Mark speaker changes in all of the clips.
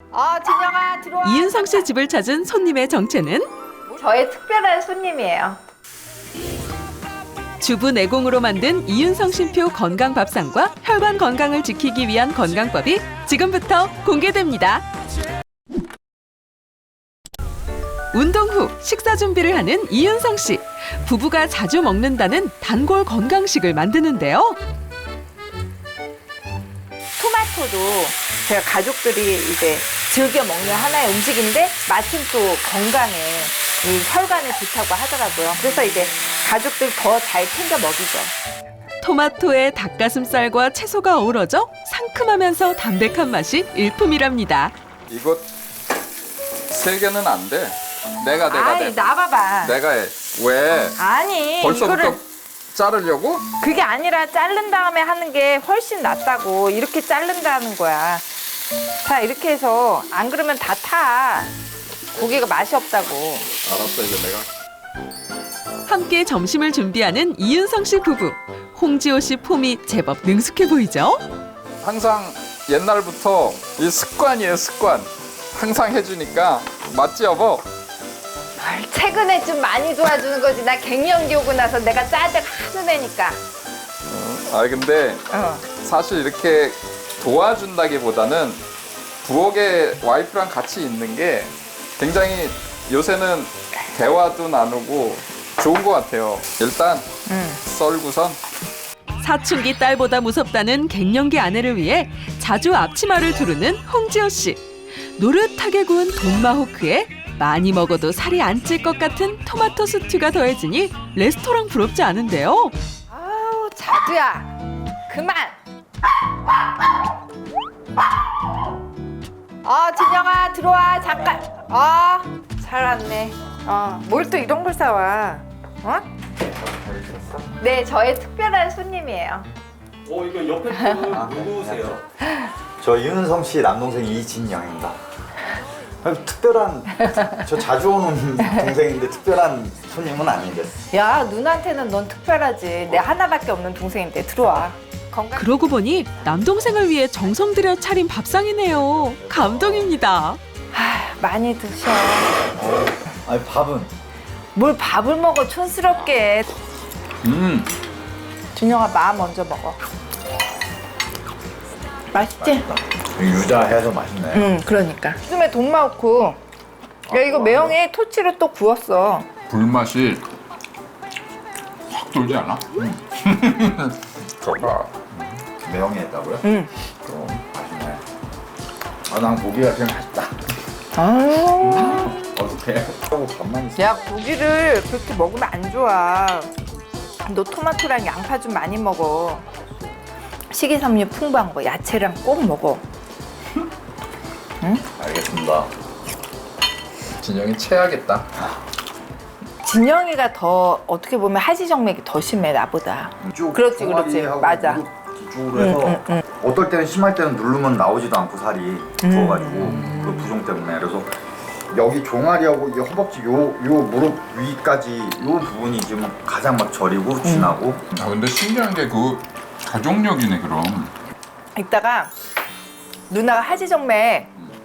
Speaker 1: 진영아 들어와.
Speaker 2: 이윤성 씨 집을 찾은 손님의 정체는
Speaker 1: 저의 특별한 손님이에요.
Speaker 2: 주부 내공으로 만든 이윤성 쉼표 건강밥상과 혈관 건강을 지키기 위한 건강법이 지금부터 공개됩니다. 운동 후 식사 준비를 하는 이윤성 씨. 부부가 자주 먹는다는 단골 건강식을 만드는데요.
Speaker 1: 토마토도 제가 가족들이 이제 즐겨 먹는 하나의 음식인데 마침 또 건강에 이 혈관에 좋다고 하더라고요. 그래서 이제 가족들 더 잘 챙겨 먹이죠.
Speaker 2: 토마토에 닭가슴살과 채소가 어우러져 상큼하면서 담백한 맛이 일품이랍니다.
Speaker 3: 이거 3개는 안 돼. 내가
Speaker 1: 나봐봐.
Speaker 3: 내가 해. 왜?
Speaker 1: 아니
Speaker 3: 벌써부터
Speaker 1: 이거를
Speaker 3: 자르려고?
Speaker 1: 그게 아니라 자른 다음에 하는 게 훨씬 낫다고. 이렇게 자른다는 거야. 자 이렇게 해서 안 그러면 다 타. 고기가 맛이 없다고.
Speaker 3: 알았어, 이제 내가.
Speaker 2: 함께 점심을 준비하는 이윤성 씨 부부. 홍지호 씨 폼이 제법 능숙해 보이죠?
Speaker 3: 항상 옛날부터 이 습관이에요, 습관. 항상 해주니까 맞지, 여보?
Speaker 1: 최근에 좀 많이 도와주는 거지. 나 갱년기 오고 나서 내가 짜증 하도 내니까.
Speaker 3: 근데 사실 이렇게 도와준다기보다는 부엌에 와이프랑 같이 있는 게 굉장히 요새는 대화도 나누고 좋은 것 같아요. 일단 썰고선
Speaker 2: 사춘기 딸보다 무섭다는 갱년기 아내를 위해 자주 앞치마를 두르는 홍지호 씨. 노릇하게 구운 돈마호크에 많이 먹어도 살이 안 찔 것 같은 토마토 스튜가 더해지니 레스토랑 부럽지 않은데요.
Speaker 1: 아우 자두야 그만. 진영아 들어와 잠깐. 잘 왔네. 뭘 또 이런 걸 사와. 네 저의 특별한 손님이에요.
Speaker 4: 이거 옆에 분 누구세요?
Speaker 5: 저 이윤성 씨 남동생 이진영입니다. 특별한, 저 자주 오는 동생인데 특별한 손님은 아닌데.
Speaker 1: 야 누나한테는 넌 특별하지. 내 하나밖에 없는 동생인데 들어와. 건강.
Speaker 2: 그러고 보니 남동생을 위해 정성 들여 차린 밥상이네요. 감동입니다.
Speaker 1: 많이 드셔.
Speaker 5: 아니 밥은?
Speaker 1: 뭘 밥을 먹어 촌스럽게. 준영아 마 먼저 먹어. 맛있지?
Speaker 5: 유자해서 맛있네.
Speaker 1: 그러니까. 요즘에 돈마호크. 야 이거 매형이 토치를 또 구웠어.
Speaker 3: 불맛이 확 돌지 않아?
Speaker 5: 저가 매형이 했다고요?
Speaker 1: 응.
Speaker 5: 그럼 맛있네. 난 고기가 그냥 맛있다. 어떡해? 하고 밥만 있어.
Speaker 1: 야 고기를 그렇게 먹으면 안 좋아. 너 토마토랑 양파 좀 많이 먹어. 식이섬유 풍부한 거 야채랑 꼭 먹어.
Speaker 5: 알겠습니다.
Speaker 3: 진영이 체하겠다.
Speaker 1: 진영이가 더 어떻게 보면 하지정맥이 더 심해 나보다.
Speaker 5: 이쪽
Speaker 1: 그렇지,
Speaker 5: 종아리하고
Speaker 1: 맞아.
Speaker 5: 무릎 뒤쪽으로 해서 어떨 때는 심할 때는 누르면 나오지도 않고 살이 부어가지고 그 부종 때문에. 그래서 여기 종아리하고 이 허벅지 요 무릎 위까지 요 부분이 지금 가장 막 저리고 진하고.
Speaker 3: 근데 신기한 게 그 가족력이네, 그럼.
Speaker 1: 이따가 누나가 하지정맥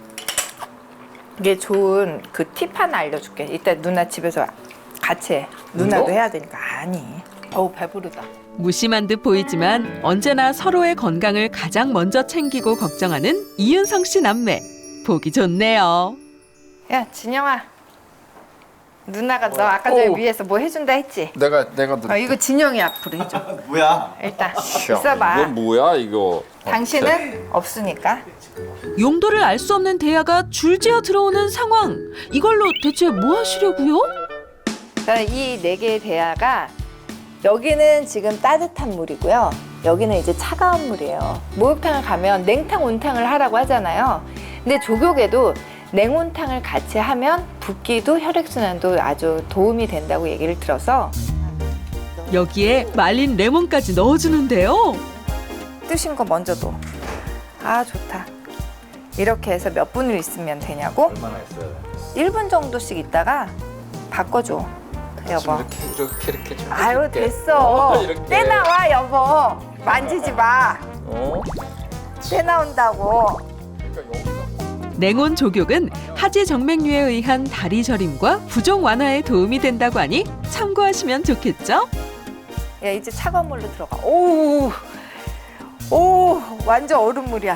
Speaker 1: 이게 좋은 그 팁 하나 알려줄게. 이따 누나 집에서 같이 해. 누나도 해야 되니까. 아니. 배부르다.
Speaker 2: 무심한 듯 보이지만 언제나 서로의 건강을 가장 먼저 챙기고 걱정하는 이윤성 씨 남매. 보기 좋네요.
Speaker 1: 야 진영아. 누나가 너 아까 전에 위에서 뭐 해준다 했지?
Speaker 3: 내가
Speaker 1: 이거 진영이 앞으로 해줘.
Speaker 5: 뭐야?
Speaker 1: 일단 있어봐.
Speaker 3: 이거 뭐야, 이거?
Speaker 1: 당신은 없으니까.
Speaker 2: 용도를 알 수 없는 대야가 줄지어 들어오는 상황. 이걸로 대체 뭐 하시려고요?
Speaker 1: 이 네 개의 대야가 여기는 지금 따뜻한 물이고요. 여기는 이제 차가운 물이에요. 목욕탕을 가면 냉탕, 온탕을 하라고 하잖아요. 근데 조격에도 냉온탕을 같이 하면 붓기도 혈액순환도 아주 도움이 된다고 얘기를 들어서
Speaker 2: 여기에 말린 레몬까지 넣어주는데요.
Speaker 1: 뜨신 거 먼저 둬. 좋다. 이렇게 해서 몇 분을 있으면 되냐고?
Speaker 5: 얼마나 있어야 돼?
Speaker 1: 1분 정도씩 있다가 바꿔줘. 여보.
Speaker 3: 이렇게 좀
Speaker 1: 아유
Speaker 3: 해줄게.
Speaker 1: 됐어.
Speaker 3: 이렇게.
Speaker 1: 때 나와 여보. 만지지 마. 때 나온다고.
Speaker 3: 그러니까 여기서
Speaker 2: 냉온 족욕은 하지 정맥류에 의한 다리 저림과 부종 완화에 도움이 된다고 하니 참고하시면 좋겠죠?
Speaker 1: 야, 이제 차가운 물로 들어가. 오, 오, 완전 얼음물이야.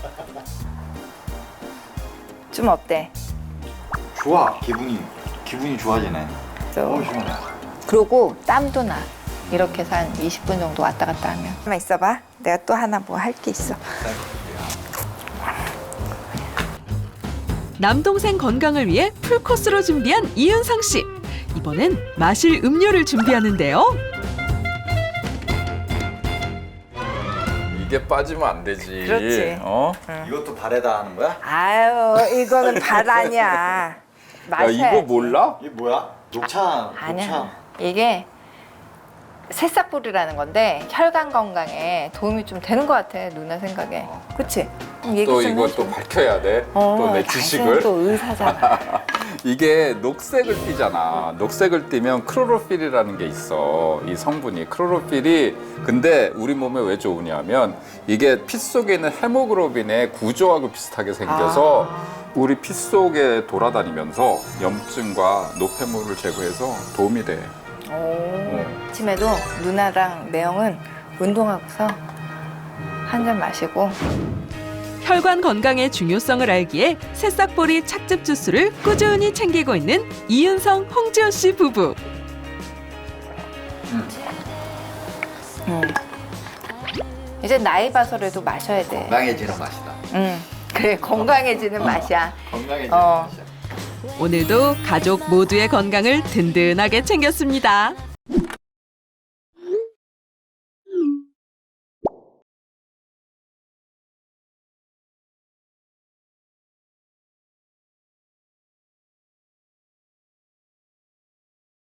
Speaker 1: 좀 어때?
Speaker 5: 좋아. 기분이 좋아지네. 시원해.
Speaker 1: 그리고 땀도 나. 이렇게 해서 한 20분 정도 왔다 갔다 하면. 잠깐만 있어봐. 내가 또 하나 뭐 할 게 있어.
Speaker 2: 남동생 건강을 위해 풀코스로 준비한 이윤상 씨. 이번엔 마실 음료를 준비하는데요.
Speaker 3: 이게 빠지면 안 되지.
Speaker 1: 그렇지.
Speaker 3: 어?
Speaker 5: 이것도 발에다 하는 거야?
Speaker 1: 아유, 이거는 발 아니야.
Speaker 3: 야
Speaker 1: 마셔야지.
Speaker 3: 이거 몰라?
Speaker 5: 이게 뭐야? 녹차.
Speaker 1: 아니야. 이게 새싹뿌리라는 건데 혈관 건강에 도움이 좀 되는 것 같아, 누나 생각에. 그치? 얘기
Speaker 3: 또
Speaker 1: 좀
Speaker 3: 이거
Speaker 1: 해줘.
Speaker 3: 또 밝혀야 돼. 또 내 지식을.
Speaker 1: 당신은 또 의사잖아.
Speaker 3: 이게 녹색을 띠잖아. 녹색을 띠면 크로로필이라는 게 있어. 이 성분이 크로로필이 근데 우리 몸에 왜 좋으냐면 이게 피 속에 있는 헤모글로빈의 구조하고 비슷하게 생겨서 우리 피 속에 돌아다니면서 염증과 노폐물을 제거해서 도움이 돼.
Speaker 1: 아침에도 누나랑 매형은 운동하고서 한 잔 마시고.
Speaker 2: 혈관 건강의 중요성을 알기에 새싹보리 착즙 주스를 꾸준히 챙기고 있는 이윤성, 홍지호 씨 부부.
Speaker 1: 이제 나이 봐서라도 마셔야 돼.
Speaker 5: 건강해지는 맛이다.
Speaker 1: 그래, 건강해지는 맛이야.
Speaker 5: 건강해지는
Speaker 1: 어.
Speaker 5: 맛이야.
Speaker 2: 오늘도 가족 모두의 건강을 든든하게 챙겼습니다.